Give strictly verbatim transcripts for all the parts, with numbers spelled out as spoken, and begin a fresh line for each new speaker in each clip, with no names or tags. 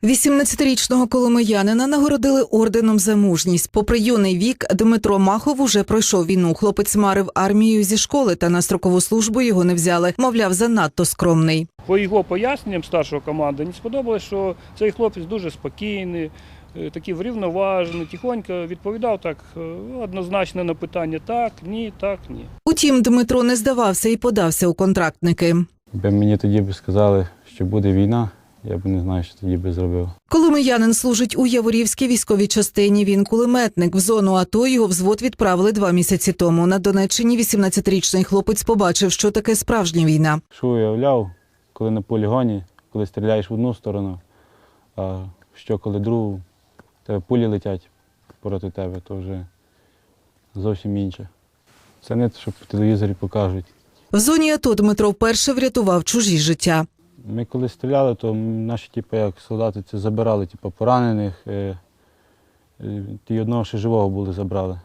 вісімнадцятирічного коломиянина нагородили орденом за мужність. Попри юний вік, Дмитро Махов уже пройшов війну. Хлопець марив армію зі школи, та на строкову службу його не взяли. Мовляв, занадто скромний.
По його поясненням старшого команди мені сподобалось, що цей хлопець дуже спокійний, такий врівноважений, тихонько відповідав так однозначно на питання «так», «ні», «так», «ні».
Утім, Дмитро не здавався і подався у контрактники.
Якби мені тоді б сказали, що буде війна, я б не знаю, що тоді би зробив.
Коломиянин служить у Яворівській військовій частині. Він кулеметник. В зону АТО його взвод відправили два місяці тому. На Донеччині вісімнадцятирічний хлопець побачив, що таке справжня війна.
Що уявляв, коли на полігоні, коли стріляєш в одну сторону, а що коли другу, тебе пулі летять проти тебе, то вже зовсім інше. Це не те, що по телевізорі покажуть.
В зоні АТО Дмитро вперше врятував чужі життя.
Ми коли стріляли, то наші типу, як солдати це забирали типу, поранених, е, е, і одного ще живого були забрали,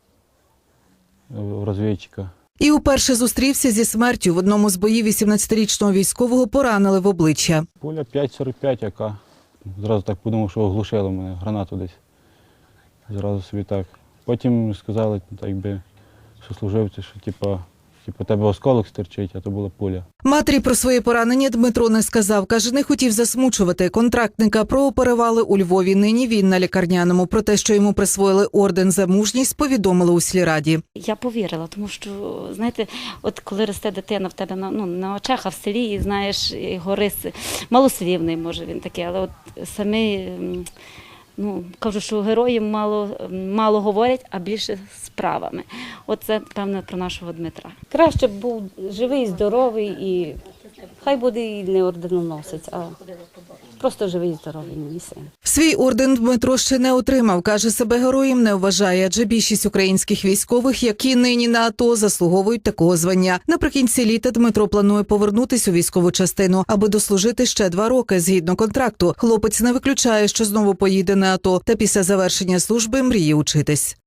е, розвідчика.
І уперше зустрівся зі смертю. В одному з боїв вісімнадцятирічного військового поранили в обличчя.
Пуля п'ять сорок п'ять, яка. Зразу так подумав, що оглушило мене, гранату десь. Зразу собі так. Потім сказали, так би, що служивці, що типу, типу, тебе осколок стирчить, а то була пуля.
Матері про своє поранення Дмитро не сказав. Каже, не хотів засмучувати. Контрактника прооперували у Львові. Нині він на лікарняному. Про те, що йому присвоїли орден за мужність, повідомили у сільраді.
Я повірила, тому що, знаєте, от коли росте дитина в тебе на, ну, на очах, а в селі, і знаєш, його риси, малослівний, може він такий, але от самі, ну, кажу, що герої мало, мало говорять, а більше справами. Оце, певно, про нашого Дмитра.
Краще б був живий, здоровий і хай буде і не орденоносець, а просто живий, здоровий мій син.
Свій орден Дмитро ще не отримав. Каже, себе героєм не вважає, адже більшість українських військових, які нині на АТО, заслуговують такого звання. Наприкінці літа Дмитро планує повернутися у військову частину, аби дослужити ще два роки згідно контракту. Хлопець не виключає, що знову поїде на АТО, та після завершення служби мріє учитись.